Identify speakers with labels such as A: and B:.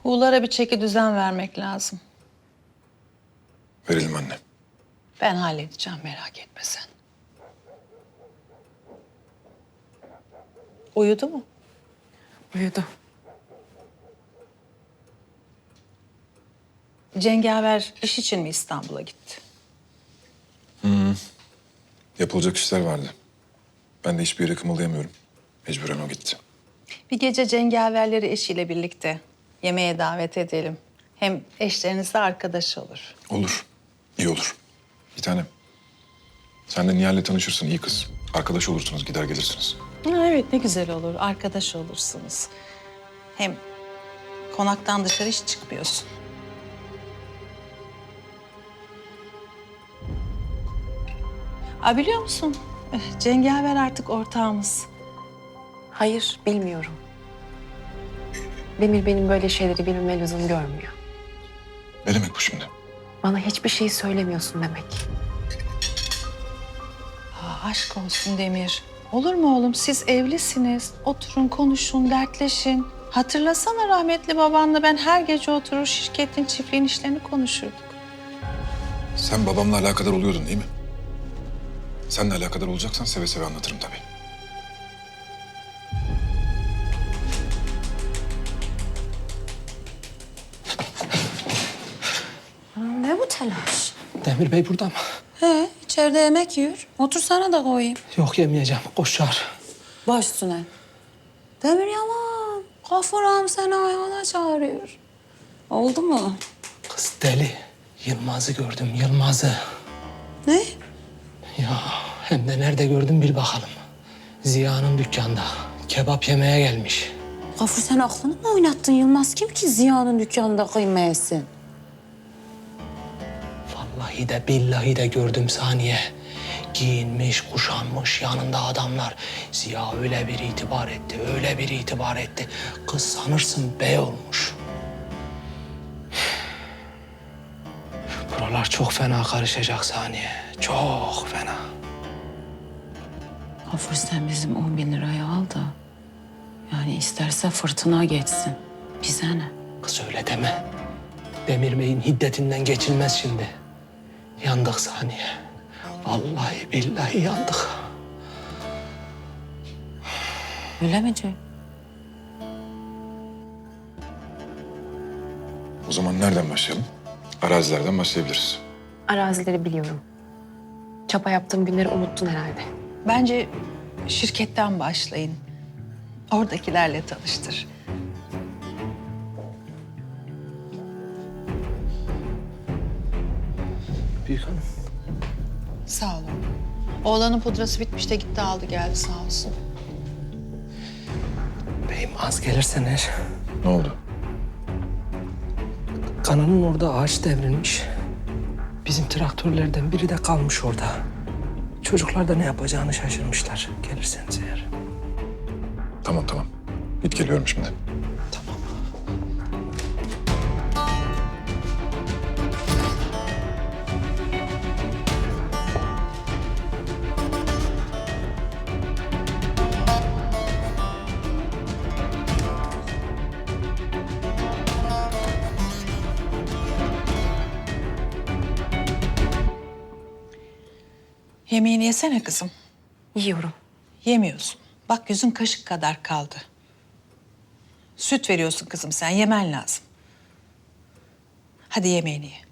A: Buğulara bir çeki düzen vermek lazım.
B: Verelim anne.
A: Ben halledeceğim, merak etme sen. Uyudu mu?
C: Uyudu.
A: Cengaver iş için mi İstanbul'a gitti?
B: Yapılacak işler vardı. Ben de hiçbir yere kımıldayamıyorum. Mecburen o gitti.
A: Bir gece cengaverleri eşiyle birlikte yemeğe davet edelim. Hem eşleriniz de arkadaş olur.
B: Olur. İyi olur. Bir tanem. Sen de Nihal'le tanışırsın. İyi kız. Arkadaş olursunuz. Gider gelirsiniz.
A: Ha, evet, ne güzel olur. Arkadaş olursunuz. Hem konaktan dışarı hiç çıkmıyorsun. Biliyor musun? Cengaver artık ortağımız.
C: Hayır, bilmiyorum. Demir benim böyle şeyleri bilmeme lüzum görmüyor.
B: Ne demek bu şimdi?
C: Bana hiçbir şey söylemiyorsun demek.
A: Aşk olsun Demir. Olur mu oğlum? Siz evlisiniz. Oturun, konuşun, dertleşin. Hatırlasana rahmetli babanla ben her gece oturur şirketin, çiftliğin işlerini konuşurduk.
B: Sen babamla alakadar oluyordun değil mi? Seninle alakadar olacaksan seve seve anlatırım tabii.
D: Ne bu telaş?
E: Demir Bey burada mı?
D: He, içeride yemek yiyor. Otursana da koyayım.
E: Yok yemeyeceğim. Koş çağır.
D: Baş üstüne. Demir Yaman, Gafur ağam seni ayağına çağırıyor. Oldu mu?
E: Kız deli. Yılmaz'ı gördüm, Yılmaz'ı.
D: Ne?
E: Ya hem de nerede gördüm bil bakalım. Ziya'nın dükkanda. Kebap yemeye gelmiş.
D: Gafur sen aklını mı oynattın Yılmaz? Kim ki Ziya'nın dükkanında kıyma yesin?
E: Vallahi de billahi de gördüm saniye. Giyinmiş, kuşanmış, yanında adamlar. Ziya öyle bir itibar etti, öyle bir itibar etti. Kız sanırsın bey olmuş. Buralar çok fena karışacak saniye. Çok fena.
D: Gafur sen bizim 10 bin lirayı al da... yani isterse fırtına geçsin. Bize ne?
E: Kız öyle deme. Demir Bey'in hiddetinden geçilmez şimdi. Yandık saniye. Vallahi billahi yandık.
D: Öyle mi diyor?
B: O zaman nereden başlayalım? Arazilerden başlayabiliriz.
C: Arazileri biliyorum. Çapa yaptığım günleri unuttun herhalde.
A: Bence şirketten başlayın. Oradakilerle tanıştır.
E: Büyük hanım.
A: Sağ olun. Oğlanın pudrası bitmiş de gitti aldı geldi sağ olsun.
E: Beyim az gelirsen eğer.
B: Ne oldu?
E: Kanalın orada ağaç devrilmiş. Bizim traktörlerden biri de kalmış orada. Çocuklar da ne yapacağını şaşırmışlar. Gelirseniz eğer.
B: Tamam tamam. Git geliyorum şimdi.
E: Tamam.
A: Yemeğini yesene kızım.
C: Yiyorum.
A: Yemiyorsun. Bak yüzün kaşık kadar kaldı. Süt veriyorsun kızım sen yemen lazım. Hadi yemeğini ye.